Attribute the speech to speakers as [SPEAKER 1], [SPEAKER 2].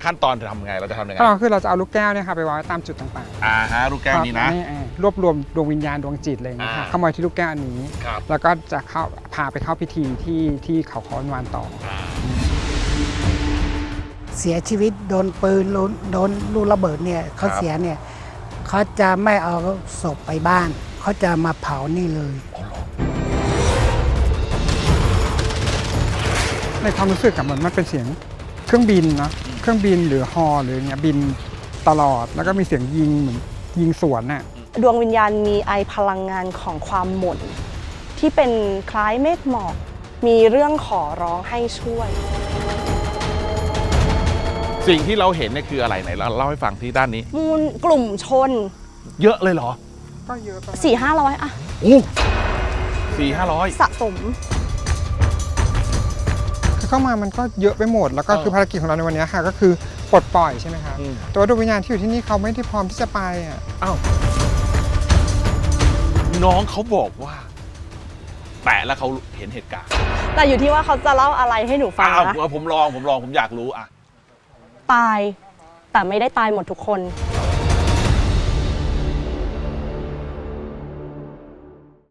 [SPEAKER 1] ขั้นตอนจะทำยังไงเราจะทำยังไง
[SPEAKER 2] ก็คือเราจะเอาลูกแก้วเนี่ยค่ะไปวางไว้ตามจุดต่าง
[SPEAKER 1] ฮะลูกแก้วนี้นะ
[SPEAKER 2] รวบรวมดวงวิญญาณดวงจิตอะไรอย่างเงี้ยค่ะเข้ามาที่ลูกแก้วอันนี้แล้วก็จะพาไปเข้าพิธีที่เขาค้อนวานต่อ
[SPEAKER 3] เสียชีวิตโดนปืนโดนลูกระเบิดเนี่ยเขาเสียเนี่ยเขาจะไม่เอาศพไปบ้านเขาจะมาเผานี่เลย
[SPEAKER 2] ในความรู้สึกกับมันเป็นเสียงเครื่องบินเนาะเครื่องบินหรือฮอหรือเงี้ยบินตลอดแล้วก็มีเสียงยิงเหมือนยิงสวนน่ะ
[SPEAKER 4] ดวงวิญญาณมีไอพลังงานของความหม่นที่เป็นคล้ายเมฆหมอกมีเรื่องขอร้องให้ช่วย
[SPEAKER 1] สิ่งที่เราเห็นเนี่ยคืออะไรไหนเราเล่าให้ฟังที่ด้านนี้
[SPEAKER 4] มูลกลุ่มชน
[SPEAKER 1] เยอะเลยเหรอ
[SPEAKER 2] ก็เยอะ
[SPEAKER 4] 400-500อะ
[SPEAKER 1] โอ้400-500
[SPEAKER 4] สะสม
[SPEAKER 2] คือเข้ามามันก็เยอะไปหมดแล้วก็คือภารกิจของเราในวันนี้ค่ะก็คือปลดปล่อยใช่ไหมคะแต่ว่าดวงวิญญาณที่อยู่ที่นี่เขาไม่ได้พร้อมที่จะไปอ่ะ
[SPEAKER 1] อ้าวน้องเขาบอกว่าแปะแล้วเขาเห็นเหตุการณ์
[SPEAKER 4] แต่อยู่ที่ว่าเขาจะเล่าอะไรให้หนูฟังนะ
[SPEAKER 1] ผมลองผมอยากรู้อะ
[SPEAKER 4] ตายแต่ไม่ได้ตายหมดทุกคน